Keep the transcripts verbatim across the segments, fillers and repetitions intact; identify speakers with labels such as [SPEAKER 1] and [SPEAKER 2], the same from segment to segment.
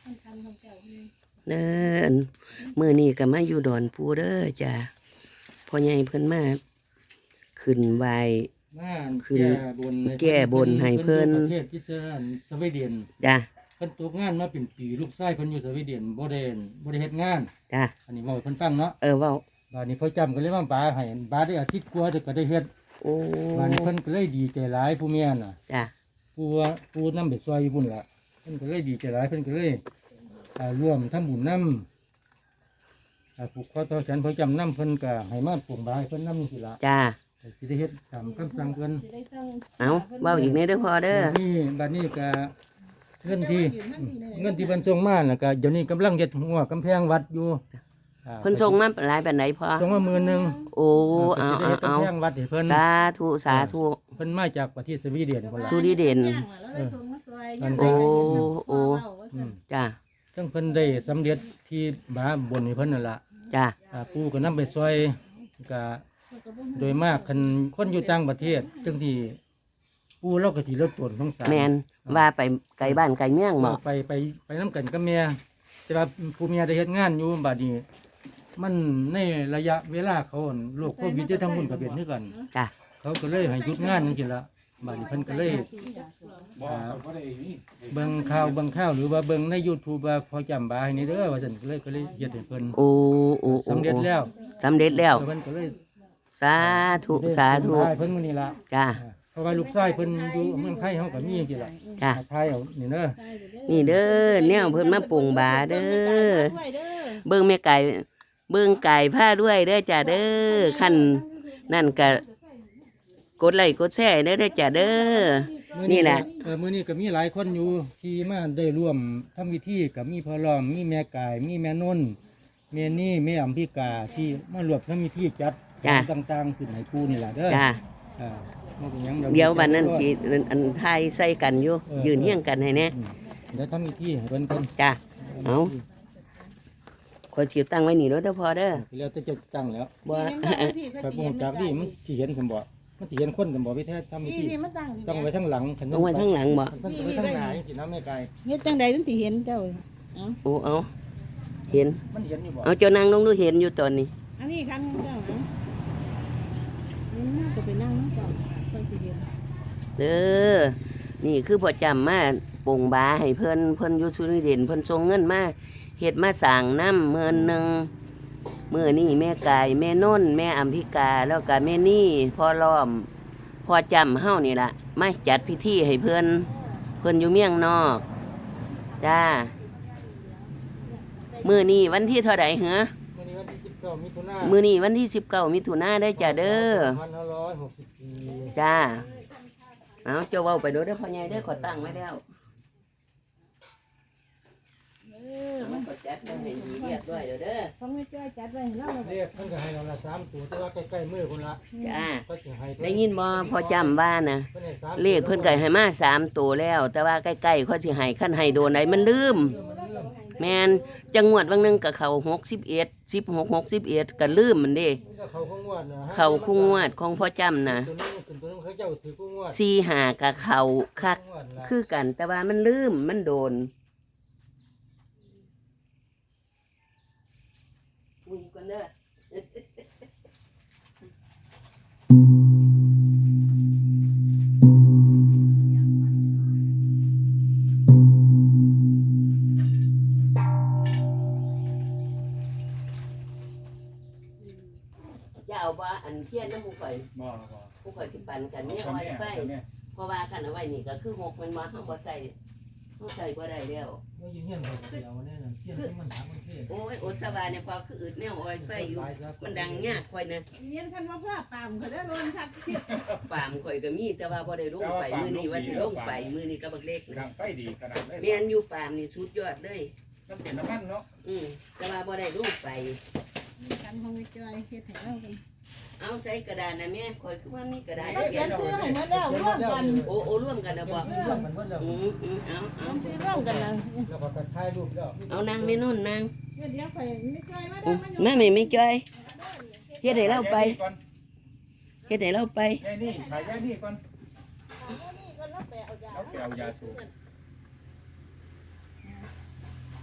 [SPEAKER 1] เด้อมื้อนี้ก็มาอยู่ดอนปูเด้อจ้ะพ่อใหญ่เพิ่นมาขึ้นไหวขึ้นแก้บนให้เพิ่น
[SPEAKER 2] ประเทศที่สวีเดน
[SPEAKER 1] จ้ะ
[SPEAKER 2] เพิ่นตกงานมาเป็นปีลูกชายเพิ่นอยู่สวีเดนบ่ได้บ่ได้เฮ็ดงาน
[SPEAKER 1] จ้ะ
[SPEAKER 2] อันนี้เว้าให้เพิ่นฟังเนาะ
[SPEAKER 1] เออเว้า
[SPEAKER 2] บัดนี้พ่อจำก็เลยมาปาให้บาดได้อาทิตย์กว่าก็ได้เฮ็ด
[SPEAKER 1] โอ้
[SPEAKER 2] บัดนี้เพิ่นก็เลยดีใจหลายผู้เมียน่ะ
[SPEAKER 1] จ้ะ
[SPEAKER 2] ผู้ว่าผู้นำไปซอยอยู่พุ่นล่ะเพิ่นก็เลยดีใจหลายเพิ่นก็เลยอ่าร่วมทำบุญนำอ่าผูกคอต่อแขนพ่อจำนำเพิ่นก็ให้มาปลูกบาให้เพิ่นนำสิล่ะ
[SPEAKER 1] จ้ะ
[SPEAKER 2] สิได้เฮ็ดตามคำสั่งเพิ่น
[SPEAKER 1] เอาเว้าอีกแน่เด้อพ่อเด้อ
[SPEAKER 2] บัดนี้บัดนี้ก็เงินที่เงินที่เพิ่นส่งมาน่ะก็เดี๋ยวนี้กำลังเฮ็ดหัวกำแพงวัดอยู่
[SPEAKER 1] เพิ่นส่งมาหลายปานใดพ่อ
[SPEAKER 2] ส่งมาหมื่นนึง
[SPEAKER 1] โอ้เอาเอาเอา
[SPEAKER 2] กำแพงวัดให้เพิ่น
[SPEAKER 1] สาธุสาธุ
[SPEAKER 2] เพิ่นมาจากประเทศสวีเดนพุ่นล่ะ
[SPEAKER 1] สวีเดนโอ้โอ้จ้ะ
[SPEAKER 2] จังเพิ่นได้สำเร็จที่บาบนให้เพิ่นนั่นล่ะ
[SPEAKER 1] จ้ะ
[SPEAKER 2] อ่าปู่ก็นำไปซอยก็โดยมากคันคนอยู่ต่างประเทศจังที่ปู่เราก็สิลดต้นของสาร
[SPEAKER 1] แม่นว่าไปไกลบ้านไกลเมืองบ่
[SPEAKER 2] ไปไปไปนำกันกับแม่แต่ว่าผู้เมียได้เฮ็ดงานอยู่บัดนี้มันในระยะเวลาเขาโรคโควิดที่ทั้งมุ่นก็เป็นคือกัน
[SPEAKER 1] จ้ะ
[SPEAKER 2] เขาก็เลยให้หยุดงานจังซี่ล่ะบัดนี้เพิ่นก็เลยเบิ่งข่าวเบิ่งข่าวหรือว่าเบิ่งใน YouTube ว่าพอจำบาให้นี่เด้อว่าซั่นก็เลยก็เลยเฮ็ดให้เพิ่น
[SPEAKER 1] โอ้โอ้
[SPEAKER 2] สำเร็จแล้ว
[SPEAKER 1] สำเร็จแล้ว
[SPEAKER 2] เพิ่นก็เลย
[SPEAKER 1] สาธุสาธุ
[SPEAKER 2] เพิ่นมื้อนี้ล่ะ
[SPEAKER 1] จ้ะ
[SPEAKER 2] เพราะว่าลูกชายเพิ่นอยู่เมืองไทยเฮาก็มีจังซี่ล่ะ
[SPEAKER 1] จ้ะ
[SPEAKER 2] ทายเอานี่เด้อ
[SPEAKER 1] นี่เด้อแนวเพิ่นมาปรุงบาเด้อเบิ่งแม่ไก่เบิ่งไก่ผ้าด้วยเด้อจ้ะเด้อคั่นนั่นก็กดไลค์กดแชร์เด้อเด้อจ้ะเด้อนี่แหละ
[SPEAKER 2] เออมื้อนี้ก็มีหลายคนอยู่ที่มาได้ร่วมทำพิธีก็มีพ่อล้อมมีแม่ไก่มีแม่นนแม่นี่แม่อัมพิกาที่มารวมทำพิธีจัดต่างๆขึ้นให้ปู่นี่ล่ะเด้อ
[SPEAKER 1] จ้ะ
[SPEAKER 2] อ่า
[SPEAKER 1] เดี๋ยววันนั้นสิอันไทยใส่กันอยู่ยืนเฮียงกันให้แน่
[SPEAKER 2] เดี๋ยวทำพิธีให้เพิ่นเพิ่น
[SPEAKER 1] จ้ะเอาขอสิตั้งไว้นี่เด้อเด้อพอเด้อ
[SPEAKER 2] แล้วจะจะตั้งแล้ว
[SPEAKER 1] บ่
[SPEAKER 2] ไปบ่จากนี่มันสิเห็นซั่นบ่มันสิเห็นคนซั่นบ่วิธีทำพิธีต้องไว้ทางหลังคัน
[SPEAKER 1] ต้องไว้ทางหลังบ่
[SPEAKER 2] ต้องไว้ทางหน้าจังซี่นะแม่ไก่
[SPEAKER 3] เฮ็ดจังใดมันสิเห็นเจ้าเอ้า
[SPEAKER 1] โอ้เอาเห็น
[SPEAKER 2] มันเห็นอยู่บ่
[SPEAKER 1] เอาเจ้านางลงดูเห็นอยู่ตอนนี้
[SPEAKER 3] อันนี้คันเจ้าเอ้านี่น่าจะไปนั่งนำเจ้าเพิ่นสิเห็น
[SPEAKER 1] เด้อนี่คือพ่อจำมาปงบาให้เพิ่นเพิ่นอยู่สวีเดนเพิ่นส่งเงินมาเฮ็ดมาสร้างน้ำหมื่นหนึ่งมื้อนี้แม่ไก่แม่นนแม่อัมพิกาแล้วก็แม่นี่พ่อล้อมพ่อจำเฮานี่ล่ะมาจัดพิธีให้เพิ่นเพิ่นอยู่เมียงนอกจ้ามื้อนี้วันที่เท่าใดเหรอมื้อนี้วันที่สิบเก้ามิถุนายนได้จ้ะเด้อ
[SPEAKER 2] สองพันห้าร้อยหกสิบสี่
[SPEAKER 1] จ้าเอาเจ้าเว้าไปโดดเด้อพ่อใหญ่เด้อขอตั้งไว้แล้วเออมันก็จัดไว้ให้เรียบร้อยแล้วเด้อ
[SPEAKER 3] ฟังไม่จ้อยจัดไว้ให้เรา
[SPEAKER 2] เรียกเพิ่นก็ให้เราละสามตัวแต่ว่าใกล้ๆมือพุ่นละ
[SPEAKER 1] จ้าได้ยินบ่พอจำว่านะเลขเพิ่นก็ให้มาสามตัวแล้วแต่ว่าใกล้ๆเขาสิให้คันให้โดนไหนมันลืมแม่นจังหวัดบางนึงก็เข้าหกสิบเอ็ด สิบหก หกสิบเอ็ดก็ลืมมันเด้เข้าคู่งวดของพ่อจำนะสี่ห้าก็เข้าคักคือกันแต่ว่ามันลืมมันโดนคุยกันเด้อจะเอาว่าอันเทียนน้ำมูข่อยมูข่อยสิปันกันเนี่ยเอาไว้ไฟเพราะว่ากันเอาไว้นี่ก็คือหกมันมาเขาบ่ใส่เขาใส่บ่ได้แล้วโอ้ยอดสบายเนี่ยพอคืออึดแนวเอาไว้ไฟอยู่มันดังยากข่อยนะ
[SPEAKER 3] เรียนคันว่าพ่อปามเขาได้ลงทัก
[SPEAKER 1] ปามข่อยก็มีแต่ว่าบ่ได้ลงไปมื้อนี้ว่าสิลงไปมื้อนี้ก็บักเล็ก
[SPEAKER 4] นะไฟดีขนาด
[SPEAKER 1] แม่นอยู่ปามนี่สุดยอดเลย
[SPEAKER 4] น้ำเปลี่ยนน้ำมันเนาะ
[SPEAKER 1] อืมแต่ว่าบ่ได้ลงไป
[SPEAKER 3] คันของไม่จ้อยเฮ็ดให้เรากัน
[SPEAKER 1] เอาใส่กระดาษนะแม่ข่อยคือว่ามีกระดาษ
[SPEAKER 3] เขียนชื่อให้หมดแล้วร่วมกัน
[SPEAKER 1] โอ้โอ้ร่วมกันนะบ่อืมอืมเอาเอา
[SPEAKER 3] ร่วมกันนะ
[SPEAKER 2] แล้วก็ถ่ายรูปแล้ว
[SPEAKER 1] เอานางแม่นุ่นนาง
[SPEAKER 3] เดี๋ยวข่อยไม่จ้อยมา
[SPEAKER 1] ได้มาแม่ไม่จ้อยเฮ็ดให้เราไปเฮ็ดให้เราไป
[SPEAKER 4] แค่นี้ถ่ายแค่นี้ก่อนเอาแปะเอายาสูบ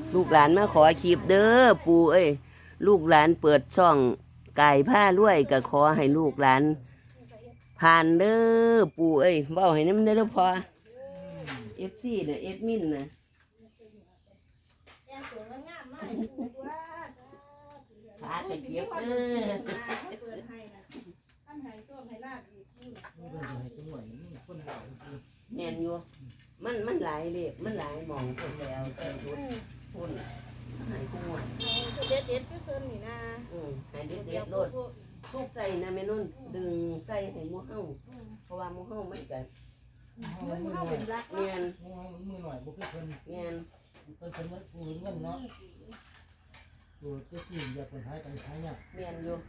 [SPEAKER 1] ลูกหลานมาขอคลิปเด้อปู่เอ้ยลูกหลานเปิดช่องกายผ้ารวยก็ขอให้ลูกหลานผ่านเด้อปู่เอ้ยเว้าให้นำเด้อพอ เอฟ ซี น่ะเอ็ดมินน่ะขากระเจี๊ยบเด้อแม่นอยู่มันมันหลายเลขมันหลายหม่องเพิ่นแล้วแต่รุดพุ่นให้ผู้หมด
[SPEAKER 3] เด็ดเด็ดก็เพิ่นนี่นะ
[SPEAKER 1] อือให้เด็ดๆโลดทุกใส่นะแม่นุ่นดึงใส่ให้หมู่เฮาเพราะว่าหมู่เฮามันก็
[SPEAKER 3] มันเข้าเป็นรัก
[SPEAKER 1] แม่น
[SPEAKER 2] มือหน่อยบ่คือเพิ่น
[SPEAKER 1] แม่น
[SPEAKER 2] เพิ่นเพิ่นว่าปูเงินเนาะปูจะสิอย่าเพิ่นหายไปหายยาก
[SPEAKER 1] แม่นอยู่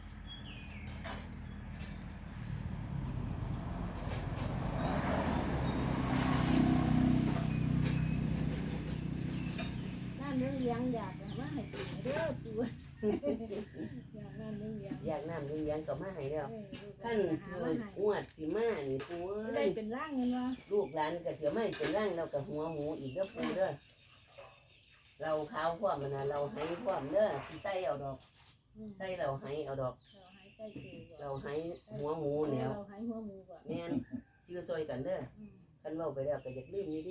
[SPEAKER 3] นั่นเรื่องเลี้ยงอยากมาให้กินเด้อปู่อยากนั่นเรื่องเลี้ยง
[SPEAKER 1] อยากน้ำเลี้ยงๆก็มาให้แล้ว
[SPEAKER 3] ท่า
[SPEAKER 1] ท่าน น
[SPEAKER 3] หา
[SPEAKER 1] คื
[SPEAKER 3] ว่า
[SPEAKER 1] อ
[SPEAKER 3] ให้
[SPEAKER 1] งวดสิมานี่ปู
[SPEAKER 3] ได้
[SPEAKER 1] เอ้ย
[SPEAKER 3] เป็นร่างเงินวะ
[SPEAKER 1] ลูกหลานก็เสียไม่เป็นร่างเรากับหัวหมูอีกเด้อปูเด้อเราขาวพร้อมมันนะเราให้พร้อมเด้อสิใส่เอาดอกใส่เราให้เอาดอก
[SPEAKER 3] เราหายใจคือ
[SPEAKER 1] เราให้หัวหมูแล้ว
[SPEAKER 3] เราหายหัวหมูก่อน
[SPEAKER 1] แม่นจื้อซอยกันเด้อคันเว้าไปแล้วก็อยากลืมนี่ดิ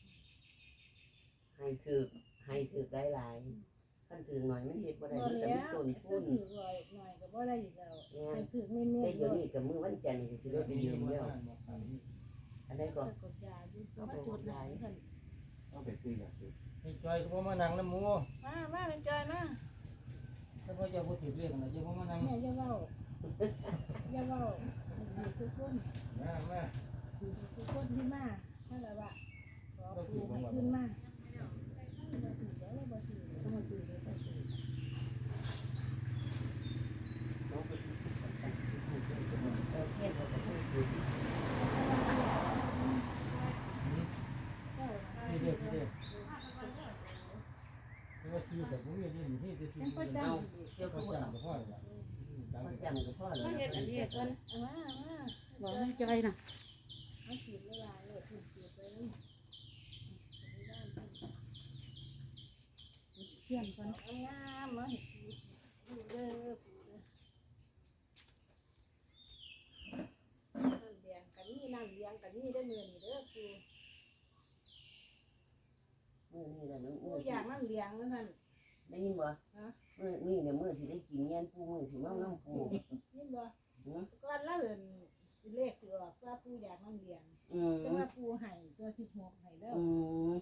[SPEAKER 1] ให้ถือให้ถือหลายๆคันถือหน่อยมันเฮ็ดบ่ได้
[SPEAKER 3] บ่
[SPEAKER 1] มันก็
[SPEAKER 3] แล้
[SPEAKER 1] มี
[SPEAKER 3] ว
[SPEAKER 1] ต้น
[SPEAKER 3] ถื
[SPEAKER 1] ทุน
[SPEAKER 3] อหน่อยหน่อยก็บ่ได้อีกแล้ว
[SPEAKER 1] แม่น
[SPEAKER 3] ถือเน้น
[SPEAKER 1] แต่
[SPEAKER 3] ๆ
[SPEAKER 1] เดี๋ยวนี้กับมื้อวันจันทร์ก็สิได้ไปยืมแล้วอันใดก็
[SPEAKER 3] กดยาอยู่ก็จุดไหนกัน
[SPEAKER 4] ต้องไปคุยกับ
[SPEAKER 2] ให้จอยก็บ่มานั่งนำหมู่
[SPEAKER 3] มามาเป็นจอยมา
[SPEAKER 2] ถ้าบ่อย่าบ่ถือเลขน่ะอย่าบ่มานั่ง
[SPEAKER 3] แม่อย่าเว้าอย่าเว้าทุกคน
[SPEAKER 2] มามา
[SPEAKER 3] ทุกคนที่มาถ้าละว่าขอปูให้ขึ้นมาต้องมาซื้อเลยต้องซื้อ
[SPEAKER 1] เอาเฮ็ดเอาไปให้ถือ
[SPEAKER 2] นี่เด้อนี่เด้อว่าสิแต่บ่มีนี่นี่สิสิ
[SPEAKER 3] ยังประจ
[SPEAKER 1] เอาเดี๋ยว
[SPEAKER 2] ก็
[SPEAKER 1] ก็
[SPEAKER 2] จั
[SPEAKER 1] เอา
[SPEAKER 2] งก็พอแล้ว
[SPEAKER 1] พอจำก็พอแล้ว
[SPEAKER 3] ำเฮ็ดอันนี้ก่อนเอามามา
[SPEAKER 5] บอกให้จอยนะ
[SPEAKER 3] มาฉีดเวลาเลยฉีดฉีดไปเลยเขียนก่อนงามมาเห็ดดูเด้อปูเด้อน้ำแดงกันนี่น้ำเลี้ยงกันนี่ได้เงินเด้อปู
[SPEAKER 1] มื้อนี้แหละมื้อ
[SPEAKER 3] ปู
[SPEAKER 1] มื้อ
[SPEAKER 3] อยากน้ำเลี้ยงนั่นนั่น
[SPEAKER 1] ได้ยินบ่มื้อนี้เนี่ยมื้อสิได้กินแย่นปูมื้อสิเมาน้ำปู
[SPEAKER 3] นี่บ่ก่อนละเอินเลขตัวว่าปูอยากน้ำเลี้ยง
[SPEAKER 1] อืม
[SPEAKER 3] แต่ว่าปูให้ตัวสิบหกให้เด้อ
[SPEAKER 1] อืม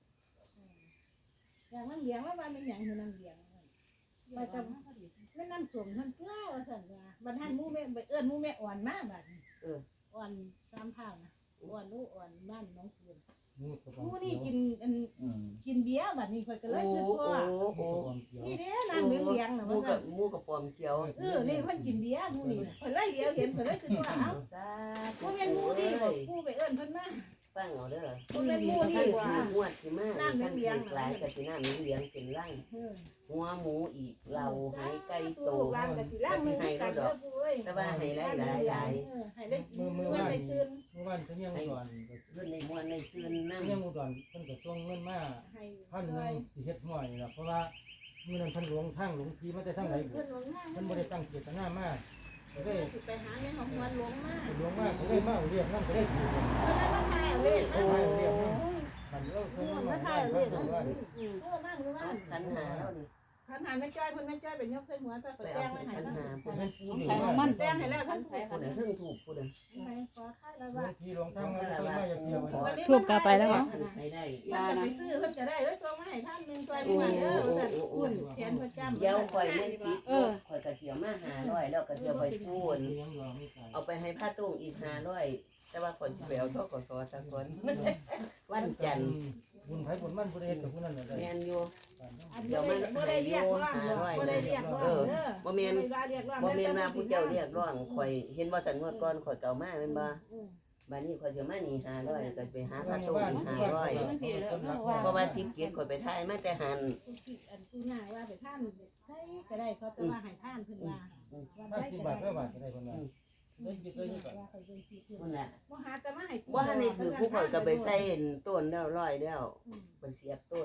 [SPEAKER 3] อยากน้ำเลี้ยงว่าบ้านเป็นอย่างคือน้ำเลี้ยงว่าจะไม่น้ำส้มท่านเกล้าสั่นว่าบัดท่านมูแม่ไปเอิ้นมูแม่อ่อนมากบัดอ่อนตามข้าวนะอ่อนลูกอ่อนบ้านน้องคืน
[SPEAKER 2] นี่ก็บ่
[SPEAKER 3] มูนี่กินอันกินเบียร์บัดนี้ค่อยก็เลย
[SPEAKER 1] โอ้
[SPEAKER 3] คิด
[SPEAKER 1] โอ้
[SPEAKER 3] ว่า
[SPEAKER 1] โอ้
[SPEAKER 3] นี่เด้น้ำเลี้ยงเลี้ยงน่ะ
[SPEAKER 1] หมู
[SPEAKER 3] ว่า
[SPEAKER 1] กับหมูกับปอมเขียว
[SPEAKER 3] เออนี่เพิ่นกินเบียร์มูนี่ค่อยเลยเดียวเห็นค่อยเลยคิดว่าเอ้า
[SPEAKER 1] จ้า
[SPEAKER 3] มูแม่นมูนี่บ่ปูไปเอิ้นเพิ่นมา
[SPEAKER 1] ฟังเอาเด้อ
[SPEAKER 3] มูแม่นมู
[SPEAKER 1] ท่า
[SPEAKER 3] นี่
[SPEAKER 1] น
[SPEAKER 3] ว่า
[SPEAKER 1] ถืองวดสิมาท่านถือหลายกับสิน้ำเลี้ยงเป็นร่าง
[SPEAKER 3] เออ
[SPEAKER 1] หัวหมูอีกเราให้ไก่โต
[SPEAKER 3] ลูกหลานก็สิล้างมือกันเด้อปูเอ้ย
[SPEAKER 1] แต่ว่าให้หลายหลายหลาย
[SPEAKER 3] เออให้ได้
[SPEAKER 2] มือมือ
[SPEAKER 3] เมื่อ
[SPEAKER 2] ว่าน
[SPEAKER 3] ได้ตื่น
[SPEAKER 2] มือว่านเพิ่นยังก่อน
[SPEAKER 1] ขึ้นในมวนในซื่นน้
[SPEAKER 2] เพิ่นยังก่อนเพิ่นก็ส่งเงินมา
[SPEAKER 3] ให้
[SPEAKER 2] พันหนึงสิเฮ็ดห้อยนี่ล่ะเพราะว่ามื้อนั้นเพิ่นหลงทางหลงทีมาแต่ทางไหน
[SPEAKER 3] เพิ่นหลงทาง
[SPEAKER 2] เพิ่นบ่ได้ตั้งเจตนามาก็ได้
[SPEAKER 3] สิไปหาในห้องวันหลงมา
[SPEAKER 2] หลงมาก็ได้มาเรียกนำก็ได้ถูก
[SPEAKER 3] เพิ่นเลยมาถ่ายเล่น
[SPEAKER 1] ำ
[SPEAKER 3] โอ้
[SPEAKER 1] โอ้
[SPEAKER 3] ย
[SPEAKER 2] เรียกนำมันเราเพิ่น
[SPEAKER 3] มา
[SPEAKER 2] มา
[SPEAKER 3] ถ่า
[SPEAKER 2] ถ่าย ย
[SPEAKER 3] เล่
[SPEAKER 2] เล่
[SPEAKER 3] น
[SPEAKER 2] น
[SPEAKER 3] ว่า
[SPEAKER 2] ว่า
[SPEAKER 3] เออนั่งหรือว่า
[SPEAKER 1] ขันหาแล้วนี่
[SPEAKER 3] ขันหาไม่จ้อยเพิ่นไม่จ้อยเป็นยกเคยหัวตะ
[SPEAKER 1] ไป
[SPEAKER 3] แป้
[SPEAKER 1] เอา
[SPEAKER 3] งไว้ให้
[SPEAKER 1] ขัน
[SPEAKER 3] นะ
[SPEAKER 1] หา
[SPEAKER 2] เพิ่นเป็นผู้นี่
[SPEAKER 5] ใครของมัน
[SPEAKER 3] แป้งให้แล้วท่านใช้
[SPEAKER 1] ผู้ใดเพิ่งถูกผู้ใด
[SPEAKER 3] ให้ขอค่าแล้ว
[SPEAKER 2] บา
[SPEAKER 3] ว่า
[SPEAKER 2] งทีหลงทางมาเพิ่นมาอยากเที่ยว
[SPEAKER 5] ทูบกาไปแล้วเหรอ
[SPEAKER 1] ให้ได้
[SPEAKER 3] มันจะไปซื้อเพิ่นจะได้เอ้ยตัวมาให้ท่านนึงตัวนี้มาเด้อแต่อุ่นแขนประจำ
[SPEAKER 1] เดี๋ยวข่อยไม่ติดข่อยกระเสียมาหาร้อยแล้วกระเสียไปพูน
[SPEAKER 2] เลี้ยงรอไม่ไกล
[SPEAKER 1] เอาไปให้ผ้าตุ้งอีกหาร้อยแต่ว่าคนไปเอาทกศสักคนวันจันทร์
[SPEAKER 2] บุญไผบุญมันผู้ใดเฮ็ดกับผู้นั้นน่ะได้
[SPEAKER 1] แมนอยู่
[SPEAKER 3] เดี๋ยวมันบ่ได้เรียกว่าบ่ได้เรียกว่าเด้อ
[SPEAKER 1] บ่แมนบ่แมนมาผู้เจ้าเรียกร้องข่อยเห็นว่าสันงวดก่อนข่อยเก่ามาแม่นบ่บัดนี้ข่อยสิมานี่หาร้อยก็ไปหาผ้าตุ้งอีกหาร้อยเพราะว่าสิเกียรติข่อยไปถ่ายมาแต่หัน
[SPEAKER 3] อันผู้หน้าว่าไปท่านใช้ก็ได้เขาจะว่าให้ท่านเพิ่นว่า
[SPEAKER 2] ห้าสิบบาทเท่าบาทก็ได้คนละเลยไปเคยนี่ก่อน
[SPEAKER 3] ว่าเขาเป็นที่เพิ่น
[SPEAKER 1] นั่นน่ะ
[SPEAKER 3] บ่หาแต่มาให้
[SPEAKER 1] บ่ทันได้ถือผู้ข่อยก็ไปใส่ต้นแล้วร้อยแล้วไปเสียบต้น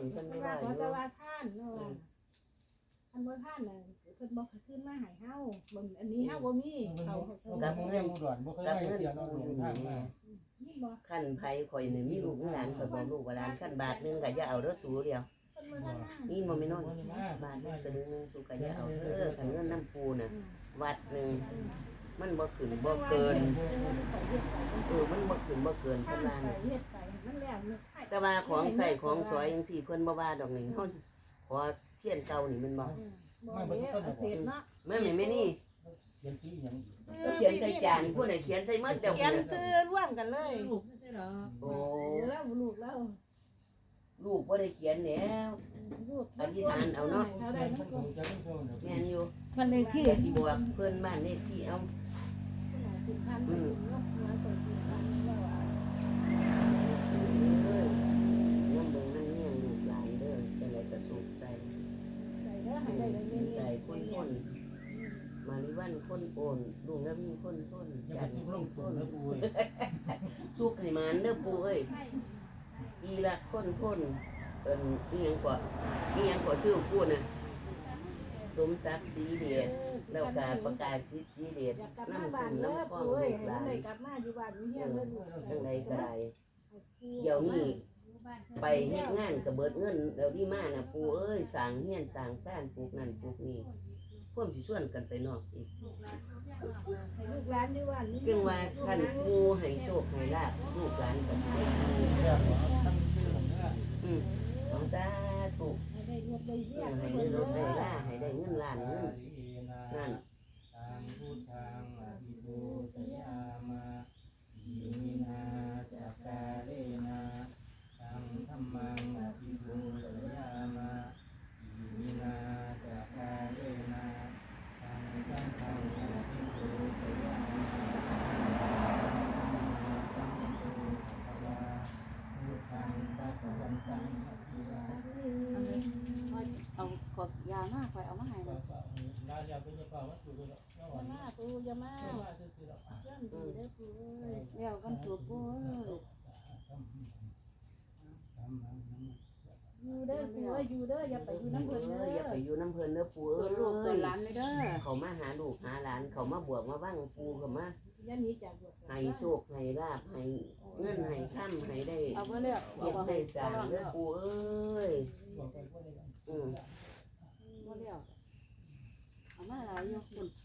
[SPEAKER 1] นเพิ่นไม่
[SPEAKER 3] ว่า
[SPEAKER 1] ว่าอ
[SPEAKER 3] ขอจะ
[SPEAKER 1] ยู่
[SPEAKER 3] ว่าท่านเนาะอันบ่ท่านน่ะเพิ่นบ่ขึ้นมาให้เฮาบนอันนี้เฮาบ่มีเขาเขา
[SPEAKER 2] กับเงินอุดรบ่เคยได้เสียเราหลงทางมา
[SPEAKER 3] นี่บ่
[SPEAKER 1] ขั้นไผข่อยนี่มีลูกมีหลานข่อยบอกลูกว่าหลานขั้นบาทหนึงก็อย่าเอาเด้อสูเดียว
[SPEAKER 3] เพิ่นบ่ทันมา
[SPEAKER 1] นี่บ่แม่นอนบาทหนึงสลึงหนึงสูก็อย่าเอาเด้อคันเงินน้ำปูน่ะวัดหนึงมันบ่ขึ้นบ่เกินเออมันบ่ขึ้นบ่เกิน
[SPEAKER 3] ท่า
[SPEAKER 1] เพิ่นว่า
[SPEAKER 3] ไป
[SPEAKER 1] น่ะ
[SPEAKER 3] เฮ็ดไปมันแล้วมันให้
[SPEAKER 1] แต่ว่าของใส่ของสอยจังซี่เพิ่นบ่ว่าดอกนี่เฮาขอเทียนเก่านี่มันบ่
[SPEAKER 3] บ่เด้อเสร็จเนาะ
[SPEAKER 1] แม่นแม่นี่
[SPEAKER 2] เขียนที่หยัง
[SPEAKER 1] ก็เขียนใส่จานผู้ใดเขียนใส่หมดเดี๋ยว
[SPEAKER 3] เขียนคือร่วมกันเลย
[SPEAKER 5] ลูกซื่อๆหรอ
[SPEAKER 1] โอ้
[SPEAKER 3] แล้วลูกแล้ว
[SPEAKER 1] ลูกบ่ได้เขียนแล้ว
[SPEAKER 3] ลูก
[SPEAKER 1] อธิษฐานเอาเนาะ
[SPEAKER 3] เขาได้
[SPEAKER 2] มั
[SPEAKER 3] มัน น
[SPEAKER 2] ค
[SPEAKER 3] ก็
[SPEAKER 2] งจะต้องโชว์
[SPEAKER 1] แม่นอยู่
[SPEAKER 5] วันเลขที่
[SPEAKER 1] สิบอกเพิ่นบ้านเลขที่เอา
[SPEAKER 3] สิบพันสิบเนาะมาเปิดสิบพันแล้วอ่ะ
[SPEAKER 1] เอ้ยน้ำเบิ่งนั่นเนี่ยลูกหลานเด้อจังไดก็สุขใจ
[SPEAKER 3] ได้เด้อให้ได้เลย
[SPEAKER 1] สุ
[SPEAKER 3] นี่
[SPEAKER 1] ขใจคนคนมาริวันคนโอนลุงแล้วมีคนต้น
[SPEAKER 2] อย่า
[SPEAKER 1] จั
[SPEAKER 2] ไป
[SPEAKER 1] น
[SPEAKER 2] ลงทุนนะปุ้ย
[SPEAKER 1] สุขให้มันเด้อปู่เอ้ยอีละคนคนเอิ้นอีหยังกว่าอีหยังกว่าชื่อปู่น่ะสมศักดิ์ศรีเดชแล้วก็ประกาศสิทธิ์ศรีเดช
[SPEAKER 3] อยากกลับ
[SPEAKER 1] น้ำ
[SPEAKER 3] มาบ้า
[SPEAKER 1] คุ
[SPEAKER 3] น
[SPEAKER 1] ณ
[SPEAKER 3] เด้อ
[SPEAKER 1] น้ำข้อง
[SPEAKER 3] ปุ้ย
[SPEAKER 1] ลูกหลาน
[SPEAKER 3] ให้กลับมาอยู่บ้านมีเฮียนเด้อลูก
[SPEAKER 1] จังไดก็ได้เดี๋ยวนี้ไปเฮ็ดงานก็เบิดเงินเดี๋ยวนี้มาน่ะปู่เอ้ยสร้างเฮียนสร้างซ่านปลูกนั่นปลูกนี่พวกสิชวนกันไปนอกอีก
[SPEAKER 3] ให้ลูกหลานอยู่บ้านมี
[SPEAKER 1] จึงว่าคันปู่ให้โชคให้ลาภลูกหลานก็ให้
[SPEAKER 2] เรื่องของตั้งชื่อของเนื้อ
[SPEAKER 1] อืมของสาธุ
[SPEAKER 3] ให้ได้รถได้เฮียน
[SPEAKER 1] ให้ได้รถได้ลาให้ได้เงินล้านเงินนั่น
[SPEAKER 2] ทางพุทธังอภิปูสยามาอิมินาสักการะนาทางธัมมังอภิปูสยามาอิมินาสักการะนาทางสังฆังอภิปูสยามาสัมมาสัมพุทธัสสะพุทธังปัจจวันตังอภิวา
[SPEAKER 5] เอากดยาวมากไปเอามาให้เลย
[SPEAKER 2] ลาเดียวเป็นยังเปล่าวัตถุเลยเนาะ
[SPEAKER 3] อย่ามาปูอย่ามา
[SPEAKER 2] ว่าซื้อๆแล้ว
[SPEAKER 3] เรื่องดีเด้อปูเอ้ย
[SPEAKER 5] เดี๋ยวกันสูบปูเอ้ย
[SPEAKER 3] อยู่เด้อปูเอ้ยอยู่เด้ออย่าไปอยู่น้ำเพิ่น
[SPEAKER 1] เอ
[SPEAKER 3] เด้
[SPEAKER 1] ออย่า
[SPEAKER 3] อ
[SPEAKER 1] ไปอยู่น้ำเพิ่นเด้อปู่
[SPEAKER 5] เกิดลูกเกิ
[SPEAKER 1] เอ้
[SPEAKER 5] ด
[SPEAKER 1] ย
[SPEAKER 5] หลานเลยเด้อ
[SPEAKER 1] เขามาหาลูกหาหลานเขามาบวกมาบ้างปู่เขามา
[SPEAKER 3] อย่าหนีจากบวช
[SPEAKER 1] ให้โชคให้ลาภให้เงินให้ค่ำให้ได้
[SPEAKER 5] เอาไปเรียก
[SPEAKER 1] เก็บได้สร้างเด้อปู่เอ้ยอืม
[SPEAKER 5] บ่เรียกเอามาหลายอยู่คุณ